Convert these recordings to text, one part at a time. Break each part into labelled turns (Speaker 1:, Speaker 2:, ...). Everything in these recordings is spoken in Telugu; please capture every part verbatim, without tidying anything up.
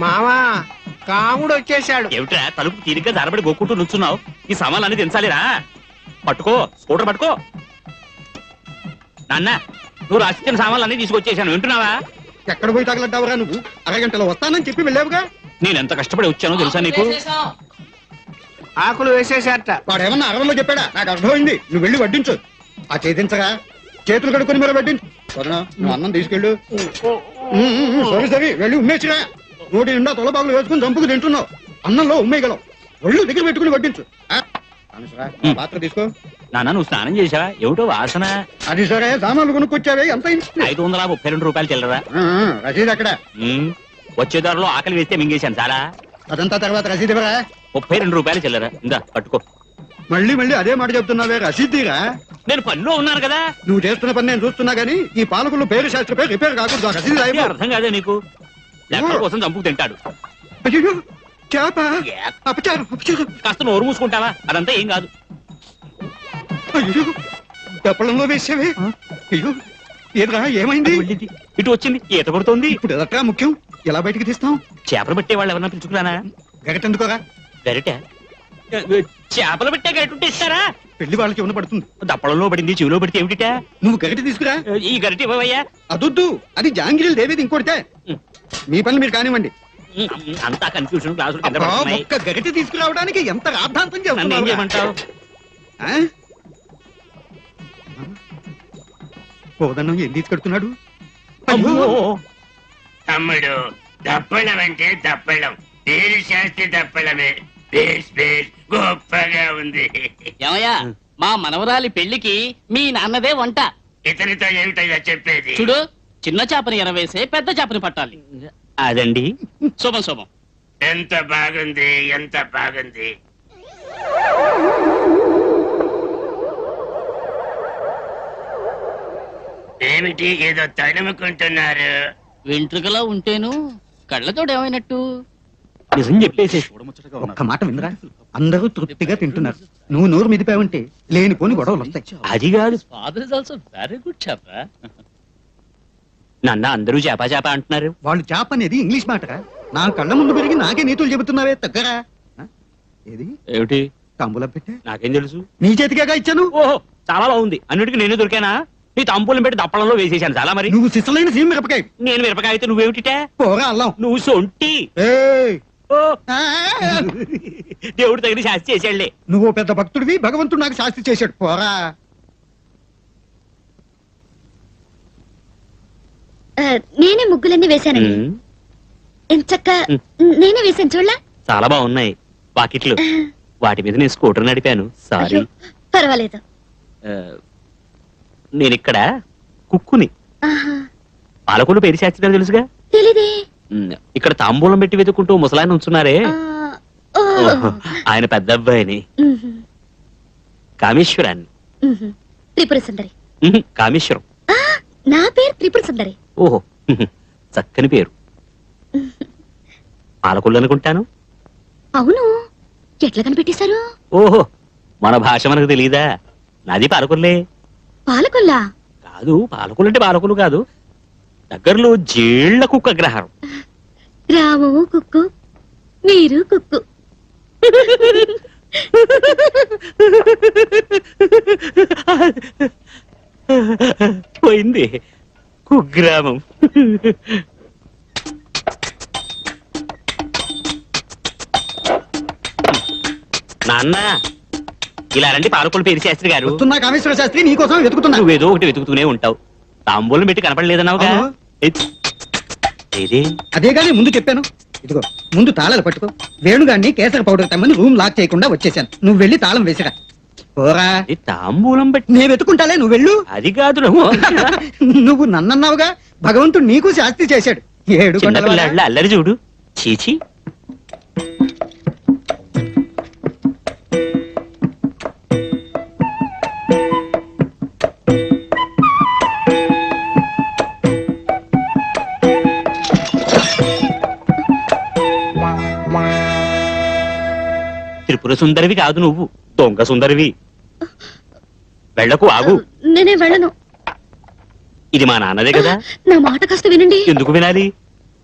Speaker 1: మావా కాముడు వచ్చేసాడు.
Speaker 2: ఏమిట్రా తలుపు తీరిగ్గా దారబడి గోక్కుంటూ నుంచున్నావు? ఈ సామాన్లు అన్ని దించాలిరా. పట్టుకో, స్కూటర్ పట్టుకో. నాన్న, నువ్వు రాసిచ్చిన సామాన్లు అన్ని తీసుకొచ్చేసాను, వింటున్నావా?
Speaker 3: ఎక్కడ పోయి తగలడ్డావురా నువ్వు? అరగంటలో వస్తానని చెప్పి వెళ్ళావుగా.
Speaker 2: నేను ఎంత కష్టపడి వచ్చానో తెలుసా నీకు?
Speaker 1: ఆకులు వేసేసారట.
Speaker 3: వాడేమన్నా అరవలో చెప్పాడా? నాకు అర్థమైంది. నువ్వు వెళ్ళి వడ్డించు. ఆ చేతించగా చేతులు కడుక్కొని మరి వడ్డించు. సరేనా? నువ్వు అన్నం తీసుకెళ్ళు. సరే సరే వెళ్ళి ఉమ్మేసిరా. నోటి నిండా తొలబాగులు వేసుకుని చంపుకు తింటున్నావు. అన్నంలో ఉమ్మేయగలవు. ఒళ్ళు దగ్గర పెట్టుకుని వడ్డించు. పాత్ర తీసుకో.
Speaker 2: నాన్న, నువ్వు స్నానం చేసావా? ఏమిటో వాసన.
Speaker 3: అది సరే, సామాన్లు కొనుక్కొచ్చావే. ఎంత
Speaker 2: ఐదు వందల ముప్పై రెండు రూపాయలు చిల్లరా.
Speaker 3: రసీదు అక్కడ.
Speaker 2: వచ్చే దారిలో ఆకలి వేస్తే మింగేశాను చాలా.
Speaker 3: అదంతా తర్వాత రసీదు ఇవ్వరా?
Speaker 2: ముప్పై రెండు రూపాయలు చిల్లరా. ఇందా పట్టుకో.
Speaker 3: మళ్ళీ మళ్ళీ అదే మాట చెప్తున్నావే. రసీదురా?
Speaker 2: నేను పనిలో ఉన్నాను కదా.
Speaker 3: నువ్వు చేస్తున్న పని నేను చూస్తున్నా గానీ ఈ పాలకులు పేరు శాస్త్ర పేరు రిపేర్ కాకూడదు. రసీదు
Speaker 2: అర్థం కాదే నీకు? లెక్కల కోసం చంపుకు తింటాడు.
Speaker 3: అయ్యో చేప. అపచారం అపచారం.
Speaker 2: కాస్త నోరు మూసుకుంటావా? అదంతా ఏం కాదు.
Speaker 3: అయ్యో దప్పడంలో వేసావే. అయ్యో ఏదరా ఏమైంది?
Speaker 2: ఇటు వచ్చింది, ఈత కొడుతోంది.
Speaker 3: ఇప్పుడు ఎదట్రా ముఖ్యం. ఎలా బయటికి తీస్తాం?
Speaker 2: చేపలు పెట్టే వాళ్ళు ఎవరన్నా పిలుచుకురానా?
Speaker 3: గరిటెందుకోరా?
Speaker 2: గరిట? చేపలు పెట్టే గరిట ఉంటే ఇస్తారా?
Speaker 3: పెళ్లి వాళ్ళకి ఏమన్నా పడుతుంది.
Speaker 2: దప్పడంలో పడింది, చెవిలో పడితే ఏమిటిటా?
Speaker 3: నువ్వు గరిటె తీసుకురా.
Speaker 2: ఈ గరిట ఇవ్వవయ్యా.
Speaker 3: అదొద్దు, అది జాంగిరీలు దేవేది ఇంకోటితే. మీ పనులు మీరు కానివ్వండి.
Speaker 2: అంతా కన్ఫ్యూజన్. క్లాసులు
Speaker 3: ఒక్క గరిటె తీసుకురావడానికి ఎంత రాద్ధాంతం
Speaker 2: ఏం
Speaker 3: చేస్తున్నావు?
Speaker 2: చేయమంటావు?
Speaker 3: పోదన్నం ఏం తీసుకెడుతున్నాడు?
Speaker 4: తమ్ముడు, దప్పడం అంటే దప్పడం. పేరు శాస్త్రి దప్పడమే. బేస్ బేస్ గొప్పగా ఉంది.
Speaker 5: ఏమయ్యా, మా మనవరాలి పెళ్లికి మీ నాన్నదే వంట.
Speaker 4: ఇతనితో ఏమిటో చెప్పేది?
Speaker 5: చూడు, చిన్న చేపని ఎరవేసే పెద్ద చేపని పట్టాలి.
Speaker 2: అదండి.
Speaker 5: శుభం శుభం.
Speaker 4: ఎంత బాగుంది, ఎంత బాగుంది. ఏమిటి ఏదో తడుముకుంటున్నారు?
Speaker 5: వెంట్రుకలా ఉంటేను కళ్ళతోడు ఏమైనట్టు?
Speaker 2: నిజం చెప్పేసి
Speaker 3: ఒక్క మాట వినరా? అందరూ తృప్తిగా తింటున్నారు. నువ్వు నోరు మిదిపావంటే లేనిపోని గొడవలు వస్తాయి.
Speaker 2: అది కాదు.
Speaker 5: Father is also very good చేప.
Speaker 2: నన్న అందరూ చేప చేప అంటున్నారు.
Speaker 3: వాళ్ళు చేప అనేది ఇంగ్లీష్ మాటరా. నా కళ్ళ ముందు పెరిగి నాకే నీతులు చెబుతున్నావే. తగ్గరా. ఏది
Speaker 2: ఏమిటి?
Speaker 3: తాంబూలం పెట్టే.
Speaker 2: నాకేం తెలుసు?
Speaker 3: నీ చేతికేగా ఇచ్చాను.
Speaker 2: ఓహో, చాలా బాగుంది. అన్నిటికీ నేను దొరికానా? నీ తాంబూలం పెట్టి దప్పడంలో వేసేసాను చాలా. మరి
Speaker 3: నువ్వు సిసలైన సీమ మిరపకాయ.
Speaker 2: నేను మిరపకాయ అయితే నువ్వేమిటిటే?
Speaker 3: పోరా అల్లం.
Speaker 2: నువ్వు సొంటి.
Speaker 3: ఏయ్!
Speaker 2: ఓ, దేవుడు తగిన శాస్తి చేశాడులే.
Speaker 3: నువ్వు పెద్ద భక్తుడివి, భగవంతుడు నాకు శాస్తి చేశాడు. పోరా.
Speaker 6: నేనే ముగ్గులన్నీ వేశానండి. ఎంచక్క నేనే వేశాను చూడలా.
Speaker 2: చాలా బాగున్నాయి వాకిట్లు. వాటి మీద నేను స్కూటర్ నడిపాను. సారీ.
Speaker 6: పర్వాలేదు.
Speaker 2: నేను ఇక్కడ కుక్కుని. పాలకులు పేరు శాస్త్రి తెలుసుగా?
Speaker 6: తెలీదే.
Speaker 2: ఇక్కడ తాంబూలం పెట్టి వెతుక్కుంటూ ముసలాయన ఉంచున్నారే, ఆయన పెద్ద అబ్బాయిని. కామేశ్వరాన్ని.
Speaker 6: త్రిపుర సుందరి.
Speaker 2: కామేశ్వరం.
Speaker 6: నా పేరు త్రిపుర సుందరి.
Speaker 2: ఓహో, చక్కని పేరు. పాలకులు అనుకుంటాను.
Speaker 6: అవును, ఎట్లా కనిపెట్టేశారు?
Speaker 2: ఓహో, మన భాష మనకు తెలీదా? నాది పాలకుల్లే.
Speaker 6: పాలకుల్లా?
Speaker 2: కాదు, పాలకులు అంటే పాలకులు కాదు. దగ్గరలో జేళ్ల కుక్క అగ్రహారం.
Speaker 6: రాము కుక్కు, మీరు కుక్కు.
Speaker 2: పోయింది కుగ్రామం. నాన్న, ఇలా రండి. పాలకులు పేరు శాస్త్రి గారు.
Speaker 3: వస్తున్నా కామేశ్వర శాస్త్రి, నీకోసం వెతుకుతున్నా.
Speaker 2: నువ్వేదో ఒకటి వెతుకుతూనే ఉంటావు. తాంబూలం పెట్టి కనపడలేదన్నావుగా.
Speaker 3: అదే గానీ ముందు చెప్పాను. ఇదిగో ముందు తాళాలు పట్టుకో. వేణుగాన్ని కేసర పౌడర్ తెమ్మని రూమ్ లాక్ చేయకుండా వచ్చేసాను. నువ్వు వెళ్ళి తాళం వేసిరా. పోరా.
Speaker 2: తాంబూలం పెట్టి
Speaker 3: నేను వెతుకుంటాలే, నువ్వు వెళ్ళు.
Speaker 2: అది కాదు.
Speaker 3: నువ్వు నన్నన్నావుగా, భగవంతుడు నీకు శాస్తి చేశాడు. ఏడు
Speaker 2: పిల్లాళ్ళ అల్లరి చూడు. చీచి. త్రిపుర సుందరివి కాదు నువ్వు, దొంగ సుందరివి. వెళ్ళకు, ఆగు.
Speaker 6: నేనే వెళ్ళను.
Speaker 2: ఇది మా నాన్నదే కదా.
Speaker 6: నా మాట కాస్త వినండి.
Speaker 2: ఎందుకు వినాలి?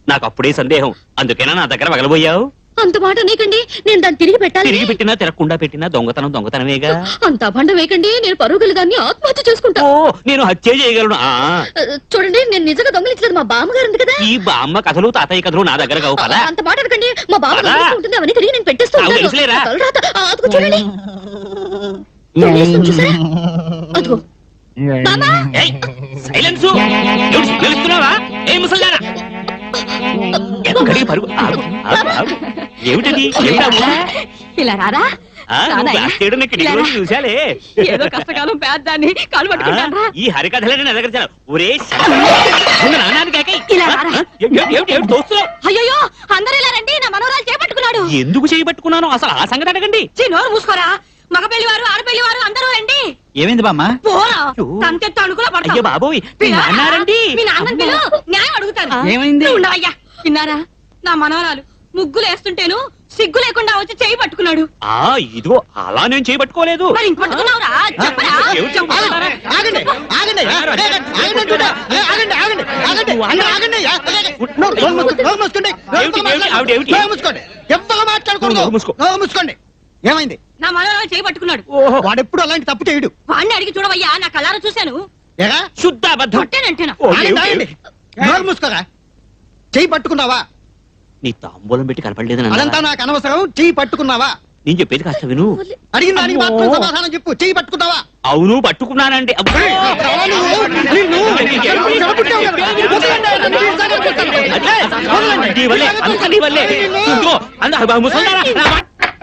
Speaker 2: నాకు అప్పుడే సందేహం, అందుకేనా నా దగ్గర వగలబోయావు?
Speaker 6: అంత మాట నీకండి, నేను దాన్ని తిరిగి పెట్టాలి.
Speaker 2: తిరిగి పెట్టినా తిరగకుండా పెట్టినా దొంగతనం దొంగతనమేగా.
Speaker 6: అంత అభండ వేయకండి, నేను పరుగులు దాన్ని ఆత్మహత్య చేసుకుంటా.
Speaker 2: ఓ నేను హత్య చేయగలను. ఆ
Speaker 6: ఆ, చూడండి, నేను నిజంగా దొంగలించలేదు, మా బామ్మగారు ఉంది కదా.
Speaker 2: ఈ బామ్మ కథలు తాతయ్య కథలు నా దగ్గర కావు కదా.
Speaker 6: అంత మాట అనకండి, మా బామ్మ
Speaker 2: పద.
Speaker 6: దొంగలిస్తూ ఉంటుంది, అవన్నీ తిరిగి నేను పెట్టేస్తూ
Speaker 2: నాకు
Speaker 6: ఉంటాను.
Speaker 2: తెలుసులేరా?
Speaker 6: తలరాత, ఆ, అదిగో చూడండి, దొంగిలిస్తుంది చూసారా? అదిగో బామ్మా.
Speaker 2: ఏయ్, సైలెన్స్. ఎవడు సిగ్గులేస్తున్నావా? ఏ ముసల్దారా? ఎక్కడికి పరుగు? ఆగు, ఆగు, ఆగు. ఏమిటది? ఏమిటావు?
Speaker 7: ఇలా రారా
Speaker 2: ఆ, నువ్వు బ్లాక్ చేయడం నేను కిటికీ నుంచి చూశాలే.
Speaker 7: ఏదో కష్టకాలం పేద్దాన్ని కాలు
Speaker 2: ఆ,
Speaker 7: పట్టుకుంటాను
Speaker 2: ఈ హరికథలని నా దగ్గర చాలా ఒరే నానాన్ని కాక
Speaker 7: ఇలా రారా.
Speaker 2: దోస్తున్నావు.
Speaker 7: అయ్యో అందరూ ఇలా రండి, నా మనవరాలు చేపట్టుకున్నాడు.
Speaker 2: ఎందుకు చేయబట్టుకున్నాను అసలు ఆ సంగతి అడగండి.
Speaker 7: చీ, నోరు మూసుకోరా. మగ పెళ్లి వారు ఆడపెళ్లి వారు అందరూ రండి.
Speaker 3: ఏమైంది బామ్మ?
Speaker 7: పోరా,
Speaker 2: అయ్యో.
Speaker 7: తంతెత్తు అడుగులో
Speaker 2: అయ్యో
Speaker 7: పడతావు.
Speaker 2: బాబోయ్, మీ
Speaker 7: పిల్ల,
Speaker 2: నాన్నారండి.
Speaker 7: మీ నాన్నని పిలు, న్యాయం అడుగుతాను.
Speaker 3: ఏమైంది?
Speaker 7: నువ్వు ఉండవయ్యా. విన్నారా, నా మనవరాలు ముగ్గులు వేస్తుంటేను సిగ్గు లేకుండా వచ్చి చేయి పట్టుకున్నాడు.
Speaker 2: ఆ ఇదిగో అలా నేను చేయబట్టుకోలేదు.
Speaker 7: మరి ఇంక పట్టుకున్నావురా? చెప్పరా?
Speaker 2: ఎవరు చెప్తున్నారు?
Speaker 3: ఆగండి ఆగండి ఆగండి అంటుంటే. ఏ, ఆగండి ఆగండి ఆగండి అందరూ ఆగండి. నోరు నోరు మూసుకోండి, నోరు మూసుకోండి.
Speaker 2: ఏమిటి, ఏమిటి, ఆవిడ ఏమిటి?
Speaker 3: నోరు మూసుకోండి, ఎవ్వరు మాట్లాడకూడదు.
Speaker 2: నోరు మూసుకో.
Speaker 3: నోరు మూసుకోండి. ఏమైంది?
Speaker 7: నా మనవరాలు చేయి పట్టుకున్నాడు.
Speaker 2: ఓహో,
Speaker 3: వాడెప్పుడు అలాంటి తప్పు చేయడు.
Speaker 7: వాడిని అడిగి చూడవయ్యా, నా కళ్ళారా చూశాను.
Speaker 3: ఎరా
Speaker 2: శుద్ధ అబద్ధం.
Speaker 7: కొట్టేనంటేనా?
Speaker 2: ఓ,
Speaker 3: ఆగండి,
Speaker 2: ఏమిటి?
Speaker 3: ఆగండి. నోరు మూసుకోరా. చెయ్యి పట్టుకున్నావా?
Speaker 2: నీ తాంబూలం పెట్టి కనపడలేదు
Speaker 3: అదంతా నాకు అనవసరం. చెయ్యి పట్టుకున్నావా?
Speaker 2: నేను చెప్పేది కాస్త విను.
Speaker 3: అడిగిన దానికి మాత్రం
Speaker 2: అమ్మో.
Speaker 3: సమాధానం చెప్పు. చెయ్యి పట్టుకున్నావా?
Speaker 2: అవును పట్టుకున్నానండి. అబ్బో. నీ వల్లే, అంతా నీ వల్లే. ఇదిగో, అంద- ముసల్దారా, నా మాట-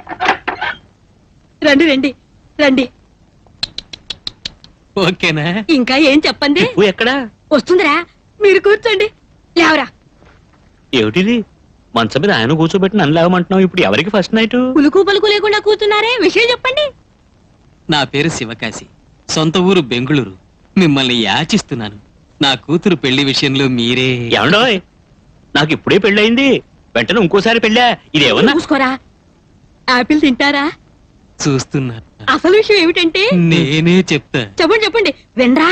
Speaker 7: రండి రండి రండి.
Speaker 2: ఓకేనా?
Speaker 7: ఇంకా ఏం చెప్పండి.
Speaker 2: చెప్పు ఎక్కడా?
Speaker 7: వస్తుందిరా, మీరు కూర్చోండి. లేవరా.
Speaker 2: ఏమిటిది? మంచం మీద ఆయన కూర్చోబెట్టి నన్ను లేవమంటున్నావు. ఇప్పుడు ఎవరికి ఫస్ట్ నైట్?
Speaker 7: పులుకు పలుకు లేకుండా కూర్చున్నారే, విషయం చెప్పండి.
Speaker 5: నా పేరు శివకాశి, సొంత ఊరు బెంగుళూరు. మిమ్మల్ని యాచిస్తున్నాను. నా కూతురు పెళ్లి విషయంలో మీరే.
Speaker 2: ఏమండోయ్, నాకు ఇప్పుడే పెళ్ళయింది, వెంటనే ఇంకోసారి పెళ్ళా? ఇదేమన్నా?
Speaker 7: చూసుకోరా. ఆపిల్ తింటారా?
Speaker 5: చూస్తున్నా.
Speaker 7: అసలు విషయం ఏమిటంటే,
Speaker 5: నేనే చెప్తా.
Speaker 7: చెప్పండి చెప్పండి వినరా.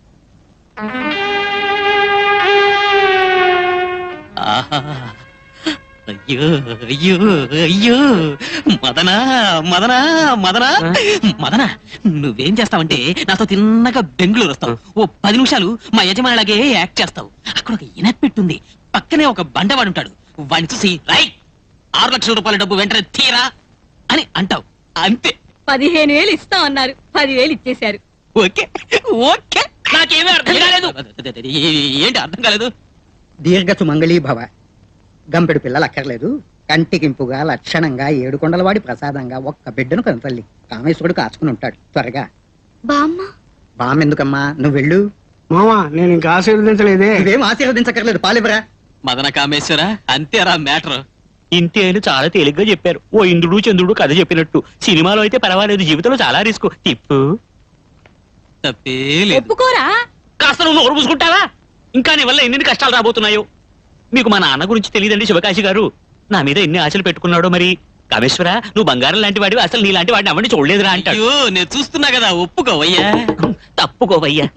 Speaker 5: ఆహా. అయ్యో అయ్యో అయ్యో మదనా మదనా మదనా మదనా, నువ్వేం చేస్తావంటే నాతో తిన్నగా బెంగళూరు వస్తావు. ఓ పది నిమిషాలు మా యజమానిలాగే యాక్ట్ చేస్తావు. అక్కడ ఒక ఇనపెట్టుంది, పక్కనే ఒక బండవాడు ఉంటాడు. వాడిని చూసి రై ఆరు లక్షల రూపాయల డబ్బు వెంటనే తీరా అని అంటావు. అంతే.
Speaker 7: పదిహేను వేలు ఇస్తాం అన్నారు, పదివేలు ఇచ్చేశారు.
Speaker 5: Okay okay. నాకేమీ అర్థం కాలేదు. ఏంటి అర్థం కాలేదు?
Speaker 3: దీర్ఘ సుమంగళీ భవ. గంపెడు పిల్లలు అక్కర్లేదు. కంటికింపుగా లక్షణంగా ఏడుకొండలవాడి ప్రసాదంగా ఒక్క బిడ్డను కనతల్లి కామేశ్వరుడు కాచుకుని ఉంటాడు. త్వరగా
Speaker 6: బామ్మ.
Speaker 3: బామ్ ఎందుకమ్మా, నువ్వు వెళ్ళు.
Speaker 1: మామా నేను ఇంకా ఆశీర్వదించలేదే.
Speaker 3: ఇవేం ఆశీర్వదించక్కర్లేదు, పాలివరా.
Speaker 5: మదన కామేశ్వర, అంతేరా మ్యాటర్.
Speaker 2: ఇంతే అని చాలా తేలిగ్గా చెప్పారు. ఓ ఇంద్రుడు చంద్రుడు కథ చెప్పినట్టు. సినిమాలో అయితే పర్వాలేదు, జీవితంలో చాలా రిస్క్. తిప్పు.
Speaker 5: తప్పే లేదు.
Speaker 7: ఒప్పుకోరా.
Speaker 2: కాస్త నువ్వు నోరు పూసుకుంటావా? ఇంకా నీ వల్ల ఎన్ని కష్టాలు రాబోతున్నాయో. మీకు మా నాన్న గురించి తెలియదండి శివకాశి గారు. నా మీద ఎన్ని ఆశలు పెట్టుకున్నాడో మరి. కామేశ్వర, నువ్వు బంగారం లాంటి వాడివి, అసలు నీ లాంటి వాడిని అవ్వండి చూడలేదురా అంటాడు.
Speaker 5: అయ్యో నేను చూస్తున్నా కదా, ఒప్పుకోవయ్యా.
Speaker 2: తప్పుకోవయ్యా.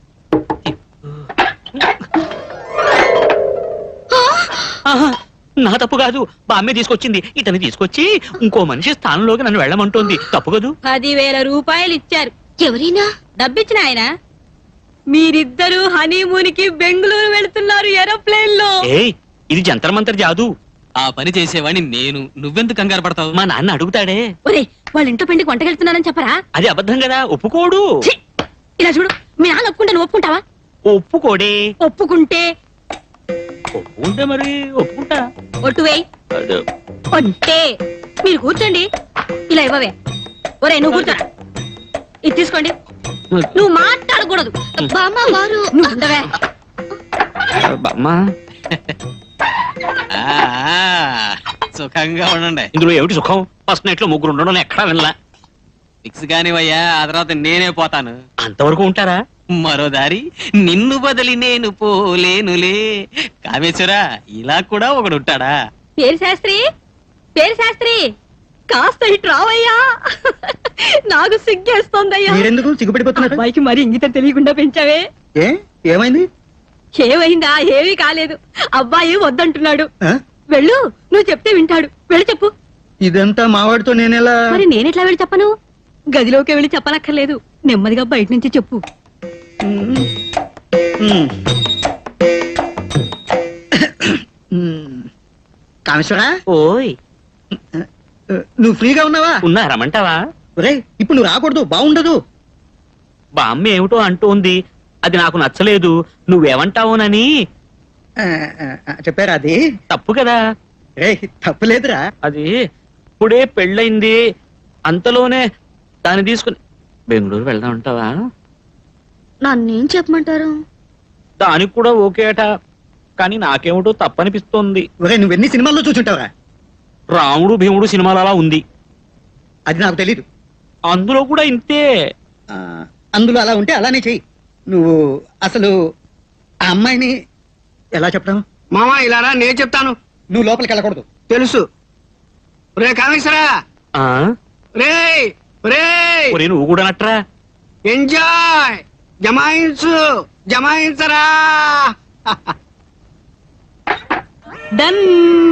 Speaker 2: ఆహా, నా తప్పు కాదు, బామ్మే తీసుకొచ్చింది. ఇతన్ని తీసుకొచ్చి ఇంకో మనిషి స్థానంలోకి నన్ను వెళ్ళమంటోంది. తప్పు కదూ?
Speaker 7: పదివేల రూపాయలు ఇచ్చారు.
Speaker 6: ఎవరైనా
Speaker 7: డబ్బిచ్చిన ఆయన. మీరిద్దరూ హనీమూన్ కి బెంగళూరు వెళ్తున్నారు ఏరోప్లేన్ లో.
Speaker 2: ఏయ్, ఇది జంతర్ మంతర్ జాదు.
Speaker 5: ఆ పని చేసేవాడిని నేను. నువ్వెందుకు కంగారు పడతావు?
Speaker 2: మా నాన్న అడుగుతాడే.
Speaker 7: ఒరే, వాళ్ళ ఇంట్లో పెండికి వంటకెళ్తున్నానని చెప్పరా.
Speaker 2: అది అబద్ధం కదా, ఒప్పుకోడు.
Speaker 7: ఛీ! ఇలా చూడు, మీ నాన్న ఒప్పుకుంటే నువ్వు ఒప్పుకుంటావా?
Speaker 2: ఒప్పుకోడే.
Speaker 7: ఒప్పుకుంటే
Speaker 2: ఒప్పుకుంటే మరి ఒప్పుకుంటా.
Speaker 7: ఒట్టు వేయి.
Speaker 2: అదే.
Speaker 7: ఒట్టే. మీరు కూర్చోండి. ఇలా ఇవ్వవే. ఒరే నువ్వు కూర్చోరా. ఇది తీసుకోండి. నువ్వు మాట్లాడకూడదు.
Speaker 6: బామ్మ వారు.
Speaker 7: నువ్వు ఉండవే.
Speaker 2: అమ్మా,
Speaker 5: ఆ, ఆ, సుఖంగా ఉండండి.
Speaker 2: ఇందులో ఏమిటి సుఖం? ఫస్ట్ నైట్ లో ముగ్గురు ఉండడం ఎక్కడా వినలా.
Speaker 5: ఫిక్స్ కానివయ్యా, ఆ తర్వాత నేనే పోతాను.
Speaker 2: అంతవరకు ఉంటారా?
Speaker 5: మరో దారి నిన్ను బదిలి నేను పోలేనులే. కామేశ్వర, ఇలా కూడా ఒకడు ఉంటాడా?
Speaker 7: పేరు శాస్త్రి, పేరు శాస్త్రి, కాస్త ఇటు రావయ్యా. నాకు సిగ్గేస్తోందయ్యా.
Speaker 3: మీరెందుకు సిగ్గుపడిపోతున్నారు?
Speaker 7: అబ్బాయికి మరి ఇంగిత తెలియకుండా పెంచావే.
Speaker 3: ఏ ఏమైంది?
Speaker 7: ఏమైందా? ఏమీ కాలేదు. అబ్బాయి వద్దంటున్నాడు.
Speaker 3: ఆ?
Speaker 7: వెళ్ళు, నువ్వు చెప్తే వింటాడు. వెళ్ళి చెప్పు.
Speaker 3: ఇదంతా మావాడితో నేనెలా
Speaker 7: మరి నేనెట్లా వెళ్ళి చెప్పను? గదిలోకి వెళ్ళి చెప్పనక్కర్లేదు, నెమ్మదిగా బయట నుంచి చెప్పు.
Speaker 3: ఉమ్. ఉమ్. కామేశ్వరా,
Speaker 2: ఓయ్
Speaker 3: నువ్వు ఫ్రీగా ఉన్నావా?
Speaker 2: ఉన్నా రమ్మంటావా?
Speaker 3: ఒరేయ్, ఇప్పుడు నువ్వు రాకూడదు, బాగుండదు.
Speaker 2: బామ్మ ఏమిటో అంటూ ఉంది, అది నాకు నచ్చలేదు. నువ్వేమంటావునని.
Speaker 3: ఆ, ఆ, ఆ, చెప్పారా అది?
Speaker 2: తప్పు కదా
Speaker 3: రే, తప్పులేదురా.
Speaker 2: అది. ఇప్పుడే పెళ్ళయింది, అంతలోనే దాన్ని తీసుకుని బెంగళూరు వెళ్దాం అంటావా?
Speaker 6: నన్నేం చెప్పమంటారు?
Speaker 2: దానికి కూడా ఓకే అట, కానీ నాకేమిటో తప్పనిపిస్తోంది.
Speaker 3: ఒరే, నువ్వెన్ని సినిమాల్లో చూసుంటావురా?
Speaker 2: రాముడు భీముడు సినిమాలు అలా ఉంది,
Speaker 3: అది నాకు తెలీదు.
Speaker 2: అందులో కూడా ఇంతే.
Speaker 3: ఆ, అందులో అలా ఉంటే అలానే చెయ్యి. నువ్వు అసలు ఆ అమ్మాయిని ఎలా చెప్పడం?
Speaker 1: మావా ఇలా రా, నేను చెప్తాను.
Speaker 3: నువ్వు లోపలికి వెళ్ళకూడదు.
Speaker 1: తెలుసు. రే కామేశ్వరా,
Speaker 2: ఆ
Speaker 1: రే రే
Speaker 2: ఒరే నువ్వు కూడా నట్రా.
Speaker 1: ఎంజాయ్, జమాయించు, జమాయించరా.
Speaker 7: డన్.